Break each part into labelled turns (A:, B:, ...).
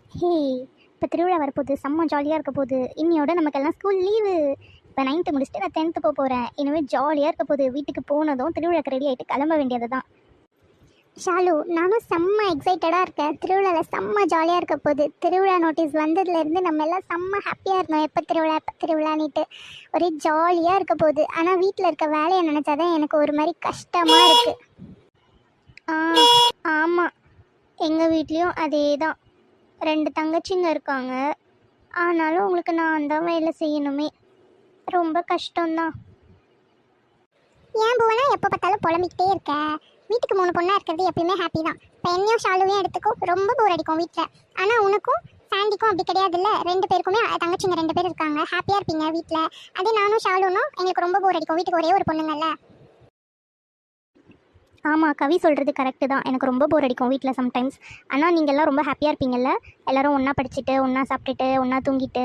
A: ஹே, இப்போ திருவிழா வரப்போகுது, செம்ம ஜாலியாக இருக்க போகுது. இன்னையோட நமக்கெல்லாம் ஸ்கூல் லீவு. இப்போ 9th முடிச்சுட்டு நான் 10th போக போகிறேன். இனிமேல் ஜாலியாக இருக்க போகுது. வீட்டுக்கு போனதும் திருவிழாக்கு ரெடி ஆகிட்டு கிளம்ப வேண்டியது தான். ஷாலு, நானும் செம்ம எக்ஸைட்டடாக இருக்கேன். திருவிழாவில் செம்ம ஜாலியாக இருக்க போகுது. திருவிழா நோட்டீஸ் வந்ததுலேருந்து நம்ம எல்லாம் செம்ம ஹாப்பியாக இருந்தோம். எப்போ திருவிழானிட்டு ஒரே ஜாலியாக இருக்க போகுது. ஆனால் வீட்டில் இருக்க வேலையை நினச்சாதான் எனக்கு ஒரு மாதிரி கஷ்டமாக இருக்குது. ஆமாம், எங்கள் வீட்லேயும் அதே தான். 2 தங்கச்சிங்க இருக்காங்க. ஆனாலும் உங்களுக்கு நான் தான் வேலை செய்யணுமே. ரொம்ப கஷ்டம்தான். ஏன் புவனா எப்போ பார்த்தாலும் புலம்பிக்கிட்டே இருக்க? வீட்டுக்கு 3 பொண்ணாக இருக்கிறது எப்பயுமே ஹாப்பி தான். இப்போ என்னையும் ஷாலுவையும் எடுத்துக்கோ, ரொம்ப போர் அடிக்கும் வீட்டில். ஆனால் உனக்கும் சாண்டிக்கும் அப்படி கிடையாதுல்ல. 2 பேருக்குமே தங்கச்சிங்க 2 பேர் இருக்காங்க. ஹாப்பியாக இருப்பீங்க வீட்டில். அதே நானும் ஷாலுனும் எங்களுக்கு ரொம்ப போர் அடிக்கும். வீட்டுக்கு ஒரே ஒரு பொண்ணுங்கல்ல. ஆமாம், கவி சொல்கிறது கரெக்டு தான். எனக்கு ரொம்ப போர் அடிக்கும் வீட்டில் சம்டைம்ஸ். ஆனால் நீங்கள் எல்லாம் ரொம்ப ஹாப்பியாக இருப்பீங்கள்ல. எல்லோரும் ஒன்றா படிச்சுட்டு, ஒன்றா சாப்பிட்டுட்டு, ஒன்றா தூங்கிட்டு.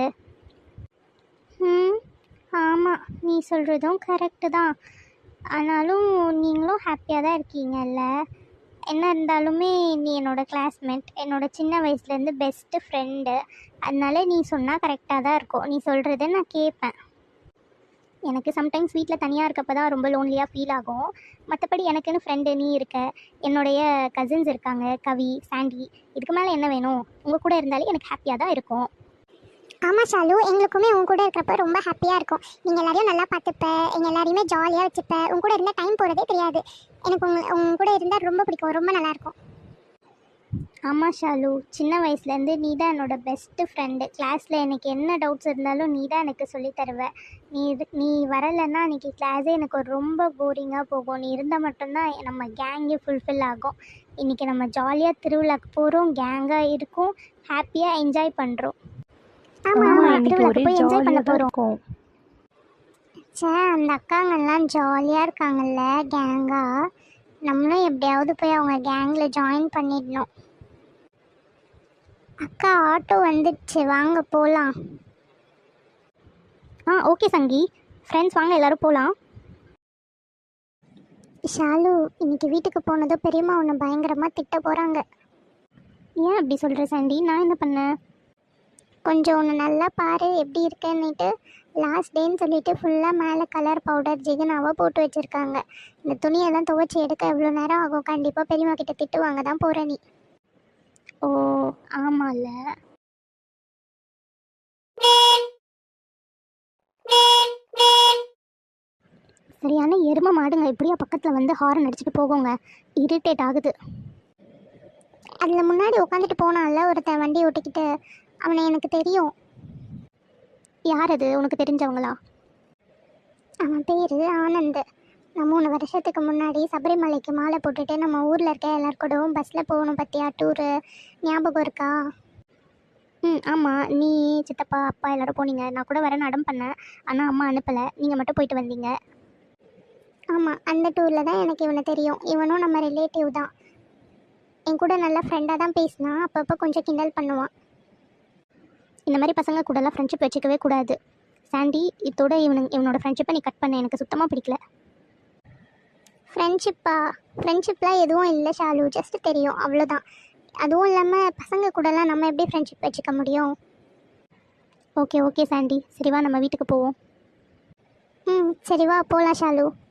A: ஆமாம், நீ சொல்கிறதும் கரெக்டு தான். ஆனாலும் நீங்களும் ஹாப்பியாக தான் இருக்கீங்கல்ல. என்ன இருந்தாலுமே நீ என்னோடய கிளாஸ்மேட், என்னோடய சின்ன வயசுலேருந்து பெஸ்ட்டு ஃப்ரெண்டு. அதனால நீ சொன்னால் கரெக்டாக தான் இருக்கும். நீ சொல்கிறத நான் கேட்பேன். எனக்கு சம்டைம்ஸ் வீட்டில் தனியாக இருக்கப்போ தான் ரொம்ப லோன்லியாக ஃபீல் ஆகும். மற்றபடி எனக்குன்னு ஃப்ரெண்டு நீ இருக்க, என்னுடைய கசின்ஸ் இருக்காங்க, கவி, சாண்டி. இதுக்கு மேலே என்ன வேணும்? உங்கள் கூட இருந்தாலே எனக்கு ஹாப்பியாக தான் இருக்கும். ஆமாம் ஷாலு, எங்களுக்குமே உங்க கூட இருக்கிறப்ப ரொம்ப ஹாப்பியாக இருக்கும். நீங்கள் எல்லாரையும் நல்லா பார்த்துப்ப, எங்கள் எல்லாரையுமே ஜாலியாக வச்சுப்ப. உங்க கூட இருந்தால் டைம் போகிறதே தெரியாது. எனக்கு உங்க கூட இருந்தால் ரொம்ப பிடிக்கும், ரொம்ப நல்லாயிருக்கும். ஆமாம் ஷாலு, சின்ன வயசுலேருந்து நீ தான் என்னோட பெஸ்ட்டு ஃப்ரெண்டு. கிளாஸில் எனக்கு என்ன டவுட்ஸ் இருந்தாலும் நீ தான் எனக்கு சொல்லி தருவ. நீ வரலைன்னா அன்றைக்கி கிளாஸே எனக்கு ரொம்ப போரிங்காக போகும். நீ இருந்தால் மட்டும்தான் நம்ம கேங்கே ஃபுல்ஃபில் ஆகும். இன்றைக்கி நம்ம ஜாலியாக திருவிழாக்கு போகிறோம், கேங்காக இருக்கும், ஹாப்பியாக என்ஜாய் பண்ணுறோம். ஆமாம், திருவிழாக்கு போய் என்ஜாய் பண்ண போகிறோம். அந்த அக்காங்கெல்லாம் ஜாலியாக இருக்காங்கல்ல கேங்காக. நம்மளும் எப்படியாவது போய் அவங்க கேங்கில் ஜாயின் பண்ணிடணும். அக்கா, ஆட்டோ வந்துடுச்சு, வாங்க போகலாம். ஓகே சங்கி, ஃப்ரெண்ட்ஸ் வாங்க எல்லோரும் போகலாம். ஷாலு, இன்னைக்கு வீட்டுக்கு போனதும் பெரியம்மா உன்னை பயங்கரமாக திட்ட போகிறாங்க. ஏன் அப்படி சொல்கிற சாண்டி? நான் என்ன பண்ணேன்? கொஞ்சம் ஒன்று நல்லா பாரு எப்படி இருக்கேன்னுட்டு. லாஸ்ட் டேன்னு சொல்லிட்டு ஃபுல்லாக மேலே கலர் பவுடர் ஜிகனாவாக போட்டு வச்சுருக்காங்க. இந்த துணியெல்லாம் துவைச்சி எடுக்க எவ்வளோ நேரம் ஆகும்? கண்டிப்பாக பெரியம்மா கிட்ட திட்டு வாங்க தான் போகிற நீ. ஓ ஆமாம்ல. சரியான எருமை மாடுங்க இப்படியா பக்கத்தில் வந்து ஹாரன் அடிச்சுட்டு போவோங்க. இரிட்டேட் ஆகுது. அதில் முன்னாடி உட்காந்துட்டு போனான்ல ஒருத்தன் வண்டி ஓட்டிக்கிட்டு, அவனை எனக்கு தெரியும். யார் அது? உனக்கு தெரிஞ்சவங்களா? அவன் பேர் ஆனந்த். நான் 3 வருஷத்துக்கு முன்னாடி சபரிமலைக்கு மாலை போட்டுட்டு நம்ம ஊரில் இருக்க எல்லாருக்கூடவும் பஸ்ஸில் போகணும் பற்றியா டூரு, ஞாபகம் இருக்கா? ஆமாம், நீ சித்தப்பா அப்பா எல்லோரும் போனீங்க. நான் கூட வரேன்னு அடம் பண்ணேன், ஆனால் அம்மா அனுப்பலை. நீங்கள் மட்டும் போயிட்டு வந்தீங்க. ஆமாம், அந்த டூரில் தான் எனக்கு இவனை தெரியும். இவனும் நம்ம ரிலேட்டிவ் தான். என் கூட நல்லா ஃப்ரெண்டாக தான் பேசினான். அப்பப்போ கொஞ்சம் கிண்டல் பண்ணுவான். இந்த மாதிரி பசங்க கூடலாம் ஃப்ரெண்ட்ஷிப் வச்சுக்கவே கூடாது சாண்டி. இதோட இவனோட ஃப்ரெண்ட்ஷிப்பை நீ கட் பண்ண. எனக்கு சுத்தமாக பிடிக்கல. ஃப்ரெண்ட்ஷிப்லாம் எதுவும் இல்லை ஷாலு, ஜஸ்ட் தெரியும் அவ்வளோதான். அதுவும் இல்லாமல் பசங்க கூடலாம் நம்ம எப்படி ஃப்ரெண்ட்ஷிப் வச்சுக்க முடியும்? ஓகே சாண்டி, சரிவா நம்ம வீட்டுக்கு போவோம். சரிவா போகலாம் ஷாலு.